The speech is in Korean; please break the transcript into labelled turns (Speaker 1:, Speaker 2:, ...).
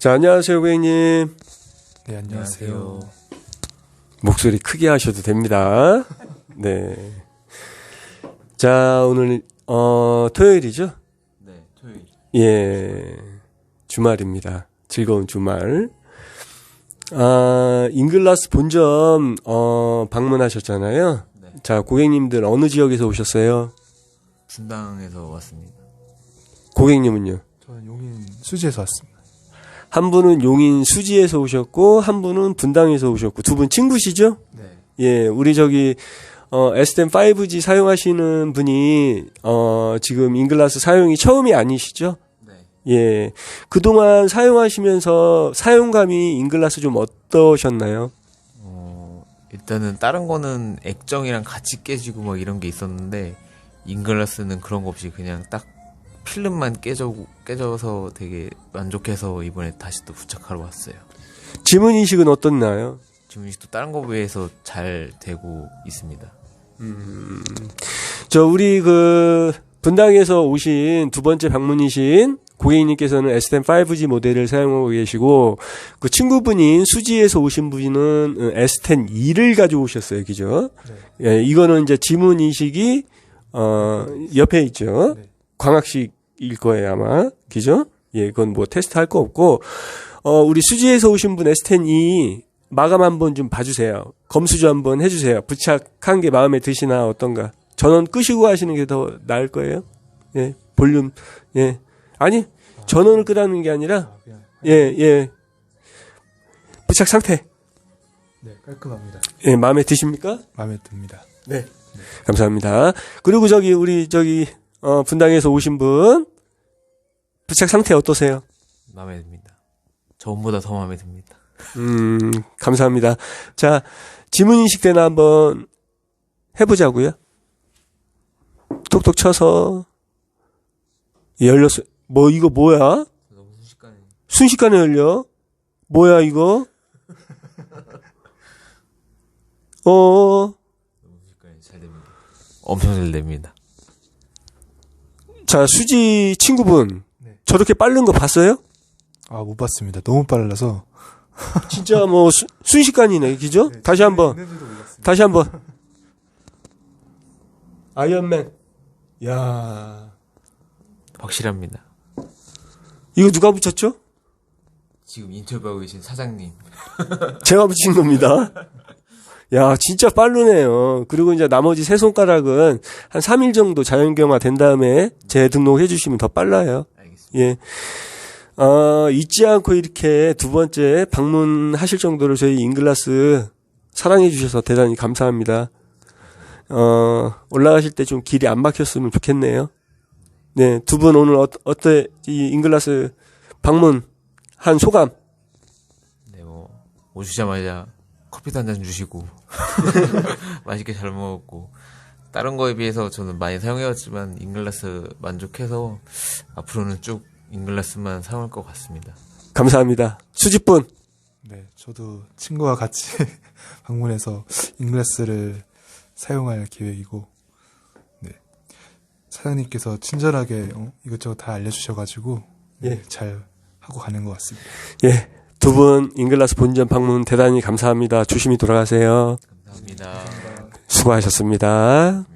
Speaker 1: 자, 안녕하세요, 고객님.
Speaker 2: 네, 안녕하세요.
Speaker 1: 목소리 크게 하셔도 됩니다. 네. 자, 오늘, 토요일이죠?
Speaker 2: 네, 토요일.
Speaker 1: 예. 주말입니다. 즐거운 주말. 잉글라스 본점, 방문하셨잖아요.
Speaker 2: 네.
Speaker 1: 자, 고객님들 어느 지역에서 오셨어요?
Speaker 2: 분당에서 왔습니다.
Speaker 1: 고객님은요?
Speaker 3: 저는 용인 수지에서 왔습니다.
Speaker 1: 한 분은 용인 수지에서 오셨고, 한 분은 분당에서 오셨고, 두 분 친구시죠?
Speaker 2: 네.
Speaker 1: 예, 우리 저기, S10 5G 사용하시는 분이, 지금 잉글라스 사용이 처음이 아니시죠?
Speaker 2: 네.
Speaker 1: 예. 그동안 사용하시면서 사용감이 잉글라스 좀 어떠셨나요?
Speaker 2: 일단은 다른 거는 액정이랑 같이 깨지고 막 이런 게 있었는데, 잉글라스는 그런 거 없이 그냥 딱 필름만 깨져서 되게 만족해서 이번에 다시 또 부착하러 왔어요.
Speaker 1: 지문 인식은 어떻나요?
Speaker 2: 지금 또 다른 거 비해서 잘 되고 있습니다.
Speaker 1: 우리 분당에서 오신 두 번째 방문이신 고객님께서는 S10 5G 모델을 사용하고 계시고, 그 친구분인 수지에서 오신 분은 S10 2를 가져오셨어요. 그죠?
Speaker 3: 네.
Speaker 1: 예, 이거는 이제 지문 인식이, 옆에 있죠.
Speaker 3: 네.
Speaker 1: 광학식일 거예요, 아마. 그죠? 예, 그건 뭐 테스트 할 거 없고, 우리 수지에서 오신 분 S10 2 마감 한번 좀 봐주세요. 검수 좀 한번 해주세요. 부착한 게 마음에 드시나 어떤가. 전원 끄시고 하시는 게 더 나을 거예요. 예, 볼륨, 예. 아니, 전원을 끄라는 게 아니라,
Speaker 3: 그냥
Speaker 1: 예. 부착 상태.
Speaker 3: 네, 깔끔합니다.
Speaker 1: 예, 마음에 드십니까?
Speaker 3: 마음에 듭니다.
Speaker 1: 네. 감사합니다. 그리고 우리 분당에서 오신 분, 부착 상태 어떠세요?
Speaker 2: 마음에 듭니다. 저번보다 더 마음에 듭니다.
Speaker 1: 감사합니다. 자, 지문 인식 때나 한번 해보자고요. 톡톡 쳐서, 열렸어. 이거 뭐야?
Speaker 2: 너무 순식간에.
Speaker 1: 순식간에 열려? 뭐야, 이거?
Speaker 2: 너무 순식간에 잘 됩니다. 엄청 잘 됩니다.
Speaker 1: 자, 수지 친구분.
Speaker 3: 네.
Speaker 1: 저렇게 빠른 거 봤어요?
Speaker 3: 못 봤습니다. 너무 빨라서.
Speaker 1: 진짜 순식간이네, 그죠?
Speaker 3: 네,
Speaker 1: 다시 한번.
Speaker 3: 있는지도 몰랐습니다.
Speaker 1: 다시 한번. 아이언맨. 야,
Speaker 2: 확실합니다.
Speaker 1: 이거 누가 붙였죠?
Speaker 2: 지금 인터뷰하고 계신 사장님.
Speaker 1: 제가 붙인 겁니다. 야, 진짜 빠르네요. 그리고 이제 나머지 세 손가락은 한 3일 정도 자연경화 된 다음에 재등록해 주시면 더 빨라요.
Speaker 2: 알겠습니다.
Speaker 1: 예. 잊지 않고 이렇게 두 번째 방문하실 정도로 저희 잉글라스 사랑해 주셔서 대단히 감사합니다. 올라가실 때 좀 길이 안 막혔으면 좋겠네요. 네, 두 분 오늘 어때? 이 잉글라스 방문한 소감?
Speaker 2: 네, 오시자마자 커피도 한 잔 주시고, 맛있게 잘 먹었고, 다른 거에 비해서 저는 많이 사용해왔지만, 잉글라스 만족해서, 앞으로는 쭉 잉글라스만 사용할 것 같습니다.
Speaker 1: 감사합니다. 수지분.
Speaker 3: 네, 저도 친구와 같이 방문해서 잉글라스를 사용할 계획이고, 네. 사장님께서 친절하게 이것저것 다 알려주셔가지고, 네,
Speaker 1: 예.
Speaker 3: 잘 하고 가는 것 같습니다.
Speaker 1: 예. 두 분 잉글라스 본점 방문 대단히 감사합니다. 조심히 돌아가세요.
Speaker 2: 감사합니다.
Speaker 1: 수고하셨습니다.